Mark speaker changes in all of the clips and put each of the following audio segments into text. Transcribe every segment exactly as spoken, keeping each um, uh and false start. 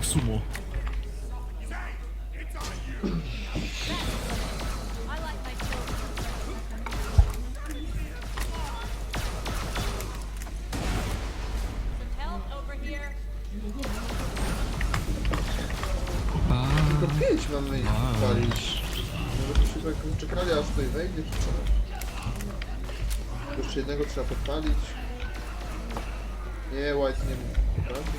Speaker 1: sumo.
Speaker 2: Tylko pięć mamy ich palić. Może byśmy tak czekali aż tutaj wejdzie czy co? Jeszcze jednego trzeba podpalić. Nie, White nie potrafi.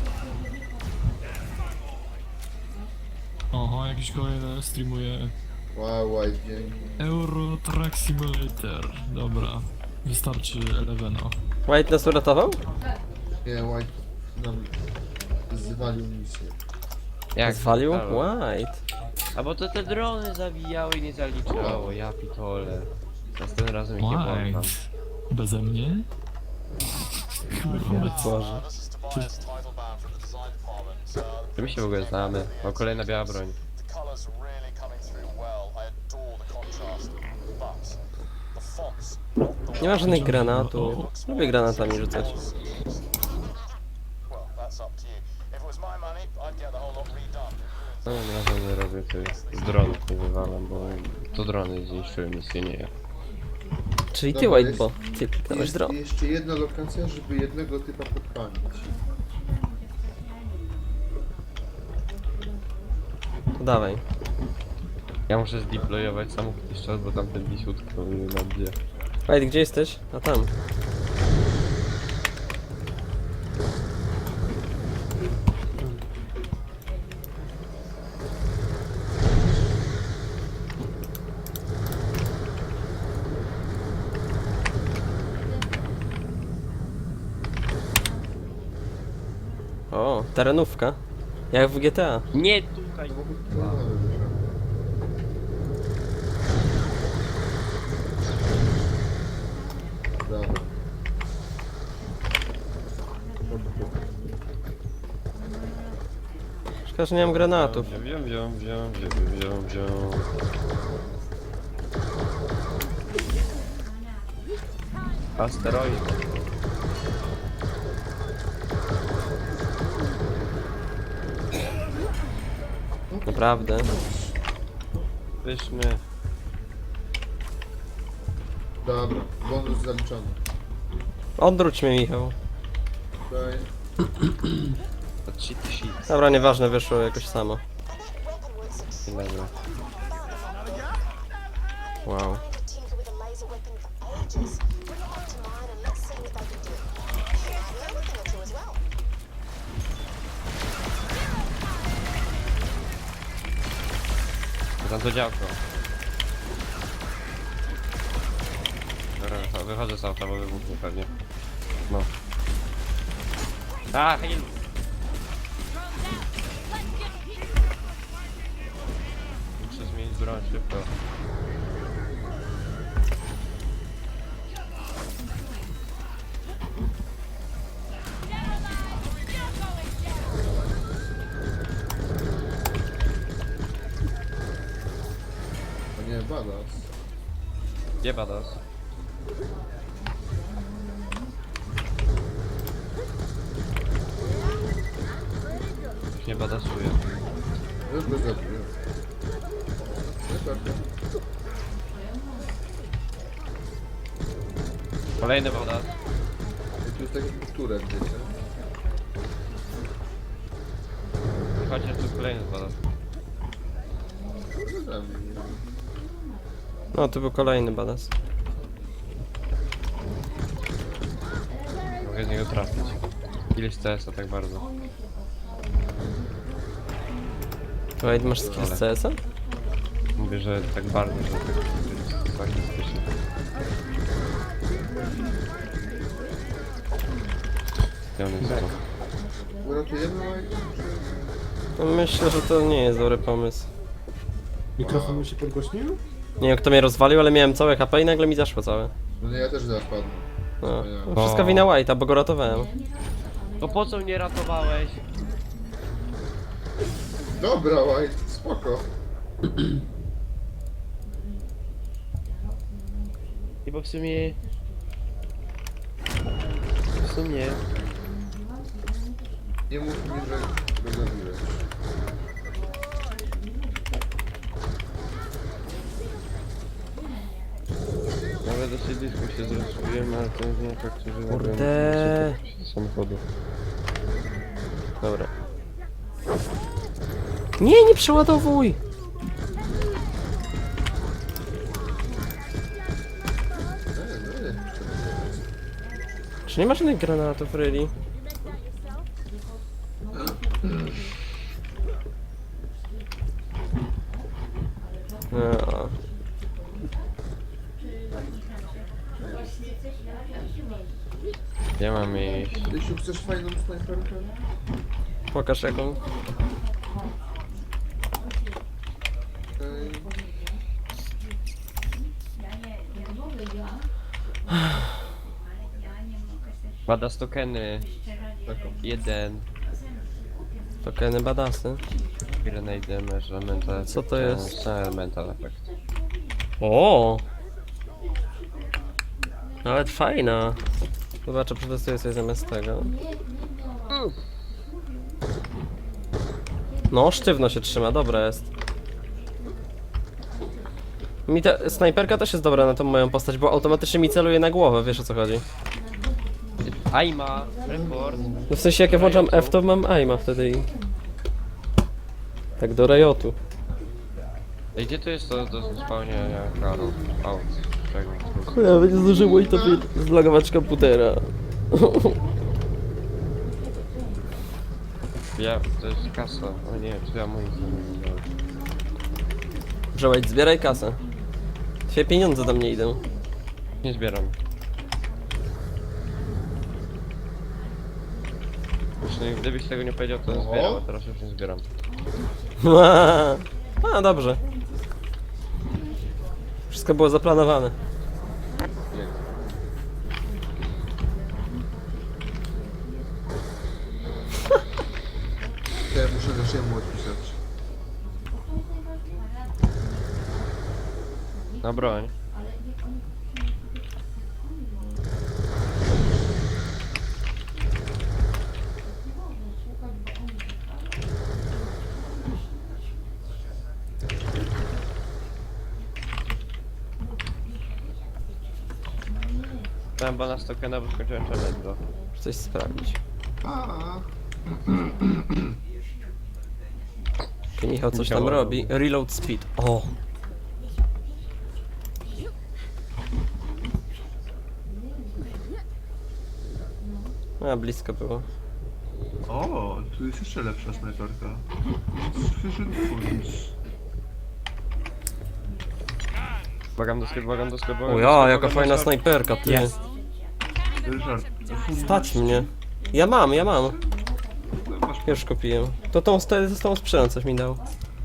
Speaker 1: Oho, jakiś kolejny streamuje
Speaker 2: Wow, White, dzięki.
Speaker 1: Euro Truck Simulator. Dobra, wystarczy Elevena.
Speaker 3: White nas uratował?
Speaker 2: Nie, White nam zwalił misję.
Speaker 4: Jak
Speaker 3: Zwalił?
Speaker 4: halo?
Speaker 3: White.
Speaker 4: A bo to te drony zawijały i nie zaliczało, ja pitole. Następnym razem ich nie
Speaker 1: White.
Speaker 4: włączam.
Speaker 1: Beze mnie?
Speaker 3: Boże.
Speaker 4: Czy my się w ogóle znamy? O, kolejna biała broń.
Speaker 3: Nie ma żadnych granatów. Lubię granatami rzucać.
Speaker 4: No, na razie nie robię tych z dronów, nie wywalam, bo to drony zniszczyły misję, nie ja.
Speaker 3: Czyli ty
Speaker 2: Dobra,
Speaker 3: White,
Speaker 2: jest-
Speaker 3: bo ty kliknąłeś
Speaker 2: Jest
Speaker 3: drop.
Speaker 2: jeszcze jedna lokacja, żeby jednego typa podpalić.
Speaker 3: To dawaj.
Speaker 4: Ja muszę zdeployować samochód jeszcze raz, bo tamten wisiutko na gdzie.
Speaker 3: White, gdzie jesteś? A tam. O, terenówka. Jak w G T A.
Speaker 4: Nie tutaj!
Speaker 2: Samochód polowy. Dobra.
Speaker 3: Szkoda, że nie mam granatów.
Speaker 4: Wziął, wziął, wziął, wziął, wziął, wziął. Asteroid.
Speaker 3: Naprawdę.
Speaker 4: Wyszmy.
Speaker 2: Dobra, bonus zaliczony.
Speaker 3: Odwróć mnie, Michał.
Speaker 2: Tutaj.
Speaker 4: To cheat sheet.
Speaker 3: Dobra, nieważne, wyszło jakoś samo.
Speaker 4: Dobra.
Speaker 3: Wow.
Speaker 5: tinker with a laser weapon for ages. Bring it back to mine and let's see what they can do. Maybe a weapon or two as well.
Speaker 4: Tam to działko. Dobra, wychodzę z auta, bo wybuchnie pewnie. No. A, hej! Muszę zmienić broń szybko.
Speaker 2: A nie, badass.
Speaker 4: Gdzie badass? Już nie badasuję.
Speaker 2: Już go zabiłem. Super.
Speaker 4: Kolejny badass.
Speaker 2: I tu jest taki turek, wiecie?
Speaker 4: Chociaż tu kolejny badass.
Speaker 2: No zabił mnie.
Speaker 3: No, to był kolejny badass.
Speaker 4: Mogę z niego trafić. Ileś C S a tak bardzo.
Speaker 3: White, masz skill z C S a?
Speaker 4: Mówię, że tak bardzo, że tak statystycznie. Gdzie on jest to?
Speaker 2: Uratujemy White?
Speaker 3: No, myślę, że to nie jest dobry pomysł.
Speaker 6: Mikrofon mi się podgłośnił?
Speaker 3: Nie wiem kto mnie rozwalił, ale miałem całe H P i nagle mi zaszło całe.
Speaker 2: No nie, ja też zaraz padnę.
Speaker 3: No, no wszystko wina White'a, bo go ratowałem.
Speaker 4: To po co mnie ratowałeś?
Speaker 2: Dobra, White, spoko.
Speaker 4: I bo w sumie... W sumie...
Speaker 2: Nie mów mi, że go zabiłeś.
Speaker 4: Chcieliśmy się zrozumiemy, ale to nie tak, że nagrałem
Speaker 3: Kurde.
Speaker 4: samochodu.
Speaker 3: Dobra. Nie, nie przeładowuj!
Speaker 2: Ej, ej.
Speaker 3: Czy nie ma żadnych granatów, really? No.
Speaker 4: Ja mam iść.
Speaker 2: Rysiu, chcesz fajną snajperkę?
Speaker 3: Pokaż jaką.
Speaker 2: Okej.
Speaker 4: Badass tokeny.
Speaker 2: Taką.
Speaker 4: Jeden.
Speaker 3: Tokeny badasy.
Speaker 4: Grenade damage, elemental.
Speaker 3: Co to jest?
Speaker 4: Elemental effect.
Speaker 3: O! Nawet fajna. Zobaczę, przetestuję sobie zamiast tego. No, sztywno się trzyma, dobra jest. Mi ta snajperka też jest dobra na tą moją postać, bo automatycznie mi celuje na głowę, wiesz o co chodzi.
Speaker 4: Aima, report.
Speaker 3: No w sensie jak ja włączam F, to mam aima wtedy i... Tak do rajotu.
Speaker 4: Ej, gdzie to jest to do spełnienia karu? Aut. Czego?
Speaker 3: Kurwa, nie zdążyło i to zlogować komputera.
Speaker 4: Ja, to jest kasa. O nie, czy ja moim zdaniem nie dałem.
Speaker 3: Przełaj, zbieraj kasę. Twoje pieniądze do mnie idą.
Speaker 4: Nie zbieram. Właśnie, gdybyś tego nie powiedział, to bym
Speaker 2: Oho.
Speaker 4: zbierał, a teraz już nie zbieram.
Speaker 3: A, dobrze. Wszystko było zaplanowane.
Speaker 4: Nie.
Speaker 2: Ja muszę naszemu odpisać.
Speaker 4: Na broń. Tam bana z tokena, bo skończyłem challenge.
Speaker 3: Muszę coś sprawdzić.
Speaker 2: A,
Speaker 3: Ty, Michał coś tam
Speaker 4: Michał.
Speaker 3: robi. Reload speed. O! A, blisko było.
Speaker 2: o, tu jest jeszcze lepsza snajperka. Sufficient funds.
Speaker 4: Błagam do sklepu, błagam do sklepu. błagam
Speaker 3: O
Speaker 4: do
Speaker 3: ja,
Speaker 4: sklepu,
Speaker 3: jaka
Speaker 4: błagam
Speaker 3: fajna
Speaker 4: do sklepu.
Speaker 3: snajperka, ty.
Speaker 4: Jest.
Speaker 2: Ryszard, funds.
Speaker 3: Stać mnie. Ja mam, ja mam.
Speaker 2: No, masz
Speaker 3: Już kupiłem. To tą, z tą sprzedam, coś mi dał.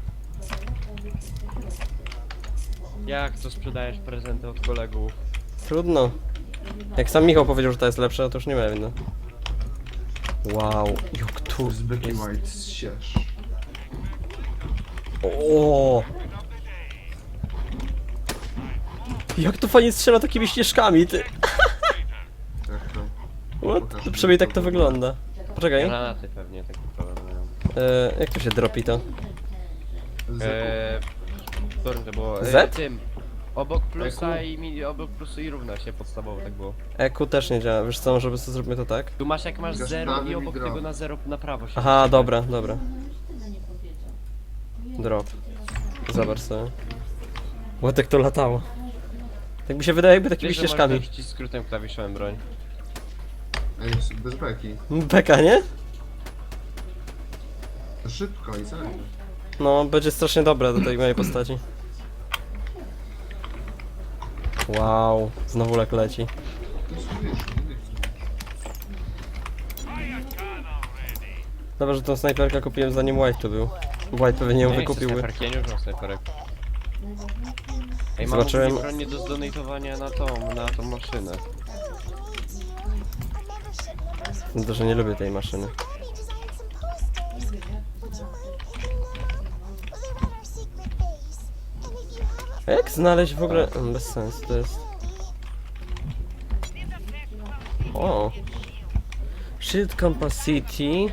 Speaker 4: Jak to sprzedajesz prezenty od kolegów?
Speaker 3: Trudno. Jak sam Michał powiedział, że ta jest lepsza, to już nie ma winno. Wow, jak tu
Speaker 2: z Becky
Speaker 3: jest.
Speaker 2: White z Sierz.
Speaker 3: O! Jak to fajnie strzela takimi ścieżkami, ty.
Speaker 2: Jak to?
Speaker 3: What? To przynajmniej tak to wygląda. Poczekaj.
Speaker 4: Granaty pewnie, taki problem mają.
Speaker 3: E, jak to się dropi to?
Speaker 2: Z
Speaker 4: Eee, którym to było?
Speaker 3: Z?
Speaker 4: Eee, tym. Obok plusa i mi, obok plusu i równa się podstawowo tak było.
Speaker 3: E Q też nie działa, wiesz co, może by sobie zrobimy to tak?
Speaker 4: Tu masz jak masz
Speaker 2: Migasz
Speaker 4: zero
Speaker 2: prawym
Speaker 4: i
Speaker 2: i
Speaker 4: obok
Speaker 2: drop.
Speaker 4: tego na zero na prawo się.
Speaker 3: Aha, dobra, dobra. Drop. Zobacz sobie. Łotek to latało. Tak mi się wydaje, jakby takimi
Speaker 4: Wiesz, że możesz
Speaker 3: ścieżkami.
Speaker 4: wrócić skrótem klawiszowym broń.
Speaker 2: Ej, bez beki.
Speaker 3: Beka, nie?
Speaker 2: Szybko i celnie.
Speaker 3: No, będzie strasznie dobre do tej mojej postaci. Wow, znowu lek leci.
Speaker 2: To jest wiesz, nie chcę.
Speaker 3: Dobra, że tą snajperkę kupiłem zanim White tu był. White pewnie ją
Speaker 4: Nie
Speaker 3: wykupił.
Speaker 4: chcę snajperki, ja nie używam snajperek. Ej, mam
Speaker 3: Zobaczyłem-
Speaker 4: ogólnie broń nie do zdonatowania na tą, na tą maszynę.
Speaker 3: No to, że nie lubię tej maszyny. A jak znaleźć w ogóle... Mm, Bez sensu to jest... O! Shield capacity...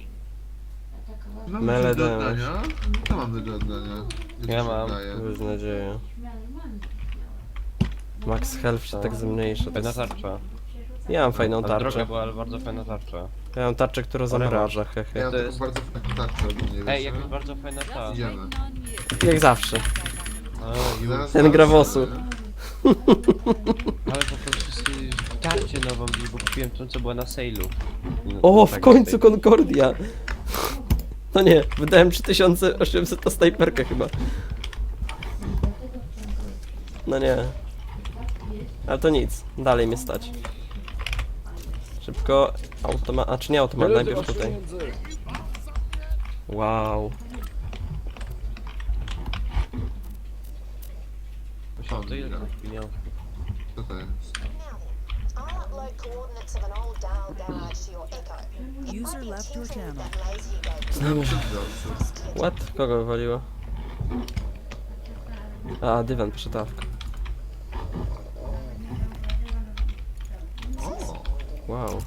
Speaker 2: No,
Speaker 3: Mele
Speaker 2: do
Speaker 3: damage.
Speaker 2: oddania? Co mamy do oddania? Jak
Speaker 4: Ja
Speaker 2: się
Speaker 4: mam.
Speaker 2: wydaje?
Speaker 3: Bez nadziei. Max health się tak zmniejsza. To
Speaker 4: Fajna
Speaker 3: jest...
Speaker 4: tarcza.
Speaker 3: Ja mam fajną
Speaker 4: Ale droga
Speaker 3: tarczę.
Speaker 4: była, ale bardzo fajna tarcza.
Speaker 3: Ja mam tarczę, która zamraża, hehe.
Speaker 2: Ja mam
Speaker 4: To
Speaker 2: taką
Speaker 4: jest-
Speaker 2: bardzo fajną tarczę ogólnie,
Speaker 4: Ej,
Speaker 2: wiesz,
Speaker 4: jakaś bardzo fajna ta.
Speaker 2: Idziemy.
Speaker 3: Jak zawsze.
Speaker 4: A, ju-
Speaker 2: Zaraz
Speaker 3: Ten
Speaker 2: zobaczymy.
Speaker 3: grawosu.
Speaker 4: Ale po prostu sobie tarczę nową, bo kupiłem tą, co była na sale'u. No,
Speaker 3: O,
Speaker 4: tak
Speaker 3: w końcu
Speaker 4: tej-
Speaker 3: Concordia! No nie, wydałem trzy tysiące osiemset na snajperkę chyba. No nie. Ale to nic, dalej mnie stać. Szybko, automat, a czy nie automat, najpierw tutaj. Wow.
Speaker 4: Musiałem to ile pieniążków.
Speaker 2: Co to jest?
Speaker 5: Now, I'll upload coordinates of an old dial garage to your Echo. It might
Speaker 7: User
Speaker 5: be
Speaker 7: left your
Speaker 5: useful
Speaker 7: channel.
Speaker 5: that lazy you go
Speaker 2: Dobrze.
Speaker 3: What? Kogo wywaliło? A, dywan, przetawka.
Speaker 2: O,
Speaker 3: Wow.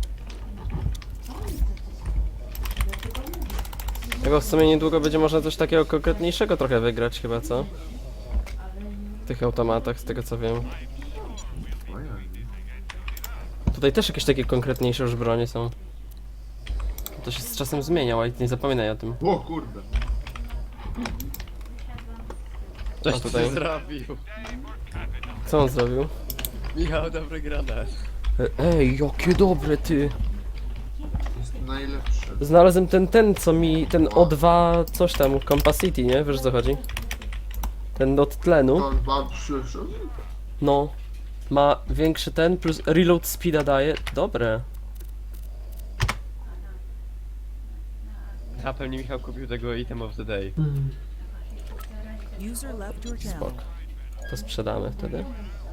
Speaker 3: Tego w sumie niedługo będzie można coś takiego konkretniejszego trochę wygrać chyba, co? W tych automatach, z tego co wiem.
Speaker 2: ojej.
Speaker 3: Tutaj też jakieś takie konkretniejsze już bronie są. To się z czasem zmienia, ale nie zapominaj o tym.
Speaker 2: O kurde.
Speaker 4: Coś
Speaker 3: A
Speaker 4: tutaj
Speaker 3: tutaj?
Speaker 4: zrobił.
Speaker 3: Co on zrobił?
Speaker 4: Michał, dobry granat.
Speaker 3: E- Ej, jakie dobre ty!
Speaker 2: Jest najlepszy.
Speaker 3: Znalazłem ten, ten co mi, ten O dwa coś tam, Compacity, nie? Wiesz o co chodzi? Ten od tlenu,
Speaker 2: To mam przyszedł.
Speaker 3: no. Ma większy ten, plus reload speeda daje. Dobre.
Speaker 4: A pewnie Michał kupił tego item of the day.
Speaker 7: User left your channel.
Speaker 3: Spoko. To sprzedamy wtedy.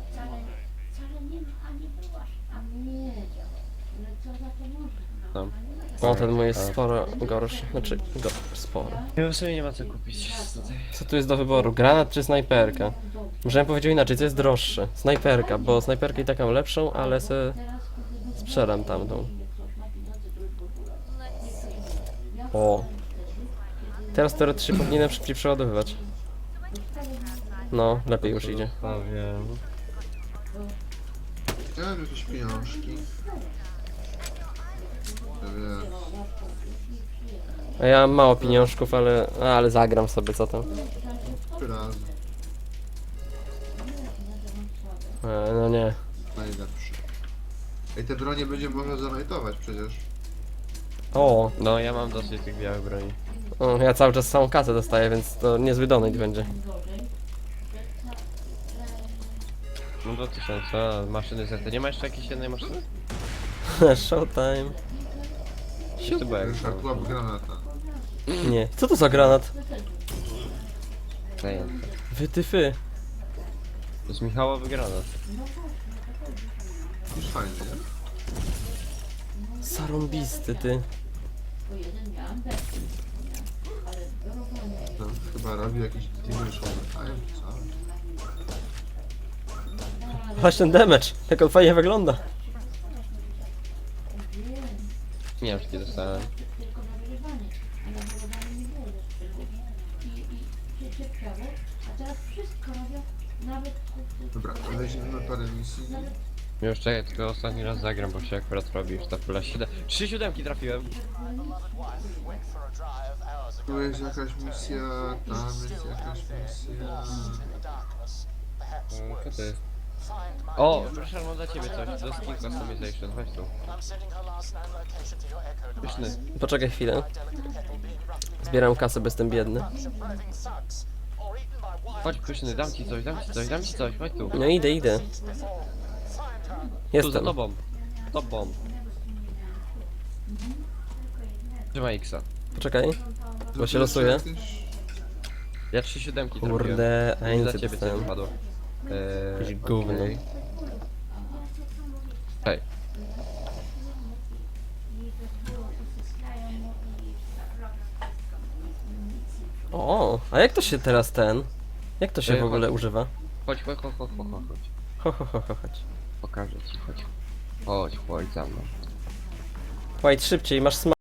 Speaker 4: No.
Speaker 3: O, ten mój jest sporo gorszy. Znaczy, go, sporo.
Speaker 4: Ja w sumie nie ma co kupić tutaj.
Speaker 3: Co tu jest do wyboru? Granat czy snajperka? Może bym powiedział inaczej, co jest droższe? Snajperka, bo snajperkę i tak mam lepszą, ale se sprzedam tamtą. O. Teraz teoretycznie powinienem szybciej przeładowywać. No, lepiej już idzie.
Speaker 4: Powiem.
Speaker 2: Ja mam jakieś pieniążki. Ja wiem.
Speaker 3: A ja mam mało pieniążków, ale, a, ale zagram sobie, co tam.
Speaker 2: Trzy razy.
Speaker 3: E, no nie.
Speaker 2: Najlepszy. Ej, te bronie będzie można zanajtować przecież.
Speaker 3: O,
Speaker 4: No ja mam dosyć tych białych broni.
Speaker 3: o, ja cały czas samą kasę dostaję, więc to niezły donate będzie.
Speaker 4: No dwa tysiące, a maszyny zerte. Nie ma jeszcze jakiejś jednej maszyny?
Speaker 3: Showtime.
Speaker 4: Jeszcze była jak
Speaker 2: Ryszard, łap granata.
Speaker 3: Nie. Co to za granat?
Speaker 4: zajęte.
Speaker 3: Wytyfy.
Speaker 4: To jest Michałowy granat.
Speaker 2: Już fajny, nie?
Speaker 3: Sarąbisty, ty.
Speaker 2: To chyba robi jakiś dimension time, co?
Speaker 3: Właśnie ten damage, jak on fajnie wygląda.
Speaker 4: Nie wiem, czy nie dostałem.
Speaker 2: Dobra, weźmiemy parę misji.
Speaker 4: Już czekaj, tylko ostatni raz zagram, bo się akurat robi już ta pula siedem. Trzy siódemki trafiłem.
Speaker 2: Tu jest jakaś misja, tam jest jakaś misja.
Speaker 4: Co to jest? O, proszę, mam dla ciebie coś. Do skin customization, chodź tu. Pyszny.
Speaker 3: Poczekaj chwilę. Zbieram kasę, bo jestem biedny.
Speaker 4: Chodź, pyszny, dam ci coś, dam ci coś, dam ci coś, chodź tu.
Speaker 3: No idę, idę.
Speaker 4: Tu za
Speaker 3: Jestem.
Speaker 4: tobą. Tobą. Trzymaj X-a.
Speaker 3: Poczekaj. Bo się losuje.
Speaker 2: Jakieś-
Speaker 4: Ja trzy siódemki trafiłem.
Speaker 3: Kurde, a ja
Speaker 4: I
Speaker 3: nic
Speaker 4: dla
Speaker 3: nie
Speaker 4: ciebie coś
Speaker 3: dostałem.
Speaker 4: wypadło. Eee,
Speaker 3: Jakieś gówno.
Speaker 4: okej. Hej.
Speaker 3: O, a jak to się teraz ten? Jak to się
Speaker 4: Ej,
Speaker 3: w ogóle
Speaker 4: chodź.
Speaker 3: używa?
Speaker 4: Chodź, chodź, chodź, chodź, chodź, chodź.
Speaker 3: Ho, ho, ho, ho, chodź.
Speaker 4: Pokażę ci, chodź. Chodź, chodź za mną.
Speaker 3: White, szybciej, masz sma...